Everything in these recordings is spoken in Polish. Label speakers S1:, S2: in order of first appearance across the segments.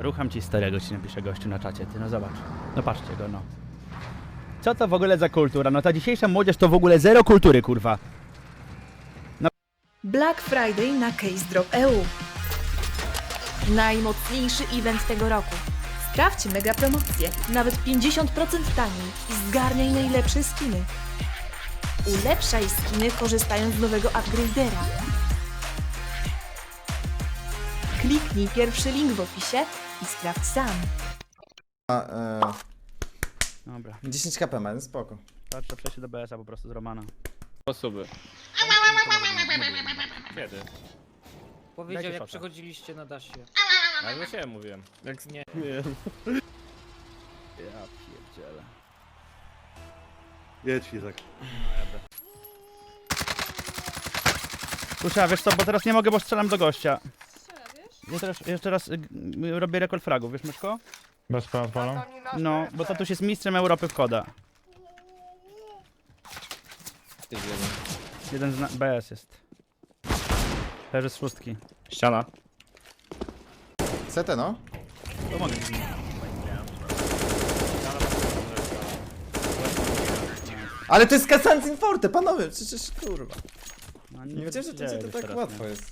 S1: Rucham ci starego, ci napisze gościu na czacie, ty no zobacz. No patrzcie go, no. Co to w ogóle za kultura? No ta dzisiejsza młodzież to w ogóle zero kultury, kurwa.
S2: Black Friday na CaseDrop.eu. Najmocniejszy event tego roku. Sprawdź mega promocje, nawet 50% taniej i zgarniaj najlepsze skiny. Ulepszaj skiny korzystając z nowego upgradera. Kliknij pierwszy link w opisie i sprawdź sam.
S1: Dobra,
S3: 10 kp ma, no spoko.
S1: patrzę przejście do BS-a po prostu z Romana.
S4: Osoby. Kiedy?
S5: Powiedział,
S1: Dajcie
S5: jak
S1: szota.
S5: przechodziliście na dasie.
S4: Ale do siebie mówiłem.
S5: Jak nie.
S1: Ja pierdzielę.
S6: Jedź Izak.
S1: Kurczę, wiesz co, bo teraz nie mogę, bo strzelam do gościa. Jeszcze raz robię rekord fragów, wiesz Myszko?
S7: Bez palą?
S1: No, bo tatuś jest mistrzem Europy w koda. Jeden z BS jest. Leży z szóstki.
S4: Ściana.
S3: CT no?
S1: Pomogę.
S3: Ale to jest Kasancin Forte, panowie, przecież kurwa.
S1: No,
S3: Nie wiedziałem, że to
S1: dzieje
S3: to
S1: już
S3: tak
S1: teraz,
S3: łatwo
S1: nie?
S3: jest.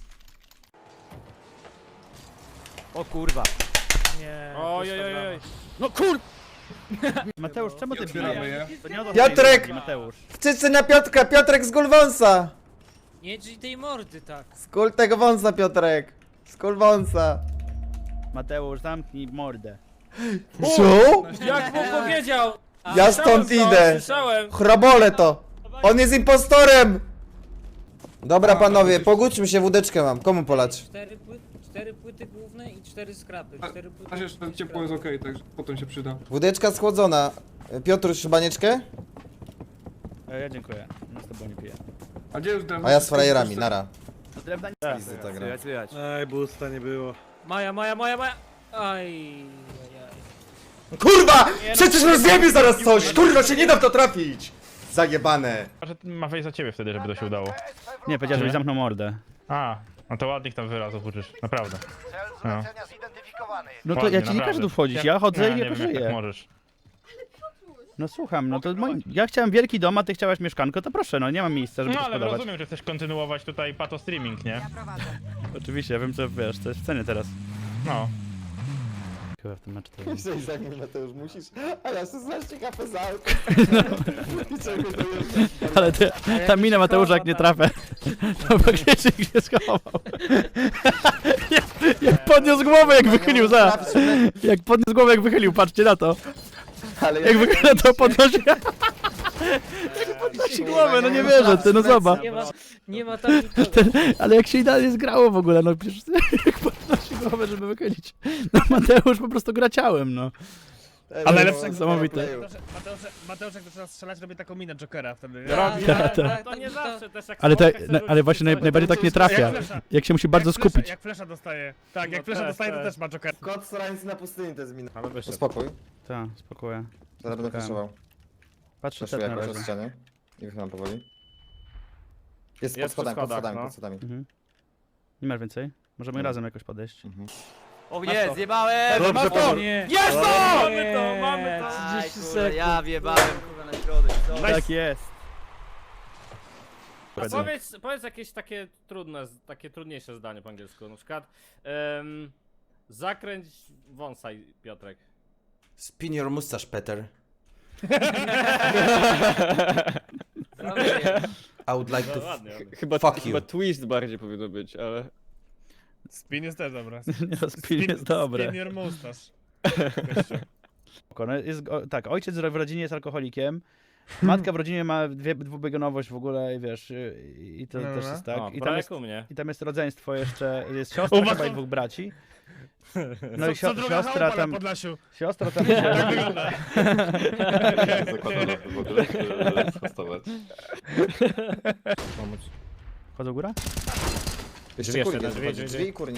S1: O kurwa.
S5: Nie.
S4: Ojojojoj.
S1: No kur... Mateusz, czemu ty bijesz? To nie o to
S3: Piotrek!
S1: chodzi, Mateusz.
S3: Wszyscy na Piotrka, Piotrek z gól wąsa!
S5: Nie drzwi tej mordy tak.
S3: Skól tego wąsa, Piotrek! Skól wąsa!
S1: Mateusz, zamknij mordę.
S3: Co?
S4: Jak mu powiedział?
S3: Ja stąd idę!
S4: Słyszałem.
S3: Chrobole to! On jest impostorem! Dobra panowie, pogódźmy się, wódeczkę mam. Komu polać?
S5: 4 płyty główne i 4 skrapy. 4 płyty.
S6: A jeszcze ciepło jest okej, także potem się przyda.
S3: Wódeczka schłodzona. Piotruś, banieczkę?
S1: Ja dziękuję. No z tobą nie piję.
S6: A gdzie już drewno?
S3: A ja z frajerami, nara.
S1: Drewna nie
S3: Pizdy ta gra.
S6: Ej, busta nie było.
S5: Maja. Aj.
S3: Kurwa! Przecież rozjebie zaraz coś! Kurwa, się nie da w to trafić! Zajebane!
S7: Że ma wejść za ciebie wtedy, żeby to się udało.
S1: Nie, powiedział, żebyś zamknął mordę.
S7: A, no to ładnych tam wyrazów uczysz, naprawdę. No.
S1: No to
S7: Ładnie,
S1: ja ci nie
S7: naprawdę.
S1: każę tu wchodzić,
S7: Jak-
S1: ja chodzę i
S7: nie
S1: jako
S7: wiem, jak tak
S1: żyję.
S7: możesz.
S1: No słucham, no to ja chciałem wielki dom, a ty chciałaś mieszkanko, to proszę, no nie mam miejsca, żeby
S7: No
S1: to
S7: ale
S1: spodobać.
S7: rozumiem, że chcesz kontynuować tutaj pato streaming, nie?
S1: Oczywiście, ja wiem co, wiesz, to jest w cenie teraz.
S7: No.
S1: Chyba w tym meczu to jest.
S3: Za nim, Mateusz, musisz. A ja 16 kp za auto.
S1: Ale ta mina Mateusza jak nie trafę, to faktycznie się schował. Jak podniósł głowę, jak wychylił, jak podniósł głowę, jak wychylił, patrzcie na to.
S3: Ale
S1: Jak wychyla to podnosi. Jak podnosi głowę, no nie wierzę, ty, no zobacz.
S5: Nie ma tam nikogo.
S1: Ale jak się idealnie zgrało w ogóle, no przecież jak podnosi głowę, żeby wychylić. No Mateusz po prostu gra ciałem, no. Ale lepsze niesamowite.
S8: Mateusz jak zaczyna strzelać, robi taką minę Jokera wtedy.
S4: To nie zawsze też jak
S1: Ale,
S4: słodka chce
S1: ale właśnie
S4: rzucić,
S1: najbardziej tak nie trafia. Jak się musi bardzo skupić.
S8: Jak flesza dostaje. Tak, jak
S4: No
S8: flesza
S4: też,
S8: dostaje, to
S4: też.
S8: też ma Jokera.
S3: Kot strzelający na pustyni to jest mina.
S4: Ale wyszedł.
S3: Uspokój,
S1: Tak, spokojnie.
S3: zaraz będę flashował.
S1: Patrzę
S3: Flashuję
S1: set na
S3: jakoś od
S1: razie.
S3: ściany. I wychylam powoli. Jest pod
S4: Jest przy
S3: schodami, pod
S4: schodach,
S3: schodami,
S4: no.
S3: pod schodami.
S1: Mhm. Nie masz więcej? Możemy razem jakoś podejść.
S9: O nie, zjebałem!
S6: Dobrze, to!
S5: Nie.
S4: Jest to! Mamy to,
S5: Nie,
S4: mamy to!
S5: 30
S9: Kurde,
S5: sekund.
S9: ja wjebałem kurwa na środek, co?
S1: Tak jest.
S4: A powiedz jakieś takie trudne, takie trudniejsze zdanie po angielsku, na przykład zakręć wąsaj, Piotrek.
S3: Spin your mustache, Peter. I would like to
S4: Ładnie, ładnie.
S10: Chyba,
S3: Fuck
S10: chyba
S3: you.
S10: twist bardziej powinno być, ale...
S8: Spin jest też dobra.
S1: Nie no, spin jest dobre.
S8: Spin your mustache.
S1: No, tak, ojciec w rodzinie jest alkoholikiem. Matka w rodzinie ma dwubiegunowość w ogóle, i wiesz, i to
S8: No,
S1: też
S8: no.
S1: jest tak.
S4: O,
S1: I tam jest,
S4: u mnie.
S1: i tam jest rodzeństwo jeszcze, jest siostra chyba i dwóch braci. No i
S8: Co druga
S1: siostra
S8: chałupa na
S1: tam,
S8: Podlasiu.
S1: siostra tam
S8: Tak
S1: się...
S8: wygląda.
S10: Zakładam w ogóle, żeby sprostować.
S4: Pomóc.
S1: Chodzą góra?
S3: Jeszcze
S4: Drzwi
S3: kurnik
S4: jeszcze,
S3: jest,
S4: drzwi,
S3: drzwi i kurnik.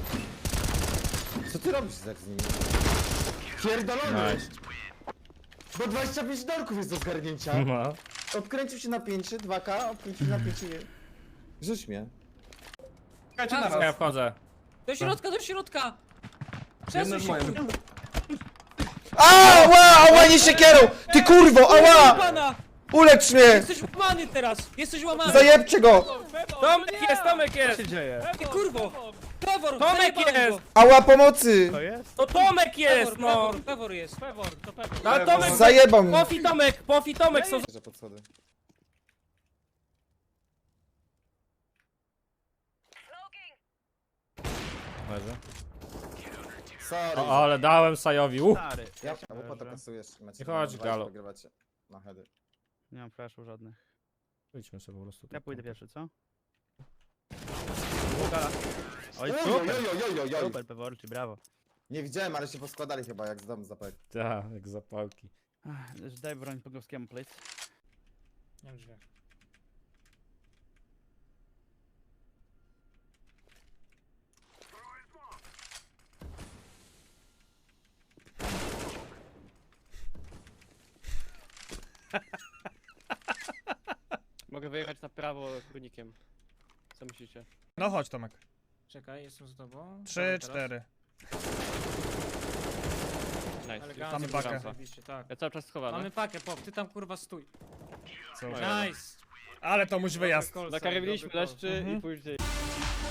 S3: Co ty robisz tak z nimi? Pierdolony!
S4: Nice.
S3: Bo 25 dolków jest do zgarnięcia.
S4: No.
S3: Odkręcił się na 5, 2K, odkręcił na 5. Rzuć mnie.
S6: Czekajcie na
S4: Ja
S6: raz.
S4: wchodzę.
S5: Do środka! Przesuń się,
S6: moim.
S5: kurwa.
S3: Ała, nie siekierą! Ty kurwo, ała!
S5: Pana!
S3: Ulecz mnie!
S5: Jesteś łamany teraz! Jesteś łamany!
S3: Zajebcie go!
S4: Tomek jest!
S8: Co się dzieje?
S5: Ty kurwo! Pewor!
S4: Tomek
S5: zajebałem
S4: jest!
S5: go.
S3: Ała, pomocy!
S8: To jest?
S4: To Tomek jest, no!
S5: Pewor jest!
S4: Pewor, to Pewor. No, ale Tomek,
S3: Zajebał mnie!
S4: Pofi Tomek są...
S3: Że pod schody. Sorry.
S4: O, ale dałem Sajowi,
S1: Stary.
S3: Ja po to kasujesz. Macie
S4: Nie chodź, Galo.
S3: Wygrywacie. Na heady.
S1: Nie mam flashu żadnych.
S4: Idźmy sobie po prostu.
S1: Ja pójdę pierwszy, co?
S3: Oj,
S1: Oj, super! Super, Peworczy, brawo.
S3: Nie widziałem, ale się poskładali chyba jak z domu zapek.
S4: Tak, jak zapałki.
S1: Daj broń Pogowskiemu, please.
S5: Nie wiem, drzwiach.
S10: Mogę wyjechać na prawo kurnikiem. Co myślicie?
S8: No chodź Tomek.
S5: Czekaj, jestem z tobą.
S8: 3,
S5: Dobra, teraz.
S8: 4.
S10: Nice.
S5: Elegancko,
S8: Mamy pakę.
S5: zajebiście, tak.
S10: Ja cały czas schowany.
S5: Mamy pakę, pop, ty tam kurwa stój.
S8: Co?
S10: Oj.
S5: Nice!
S8: Ale to muś wyjazd.
S10: Nakarywiliśmy leszczy
S8: Mhm.
S10: i później...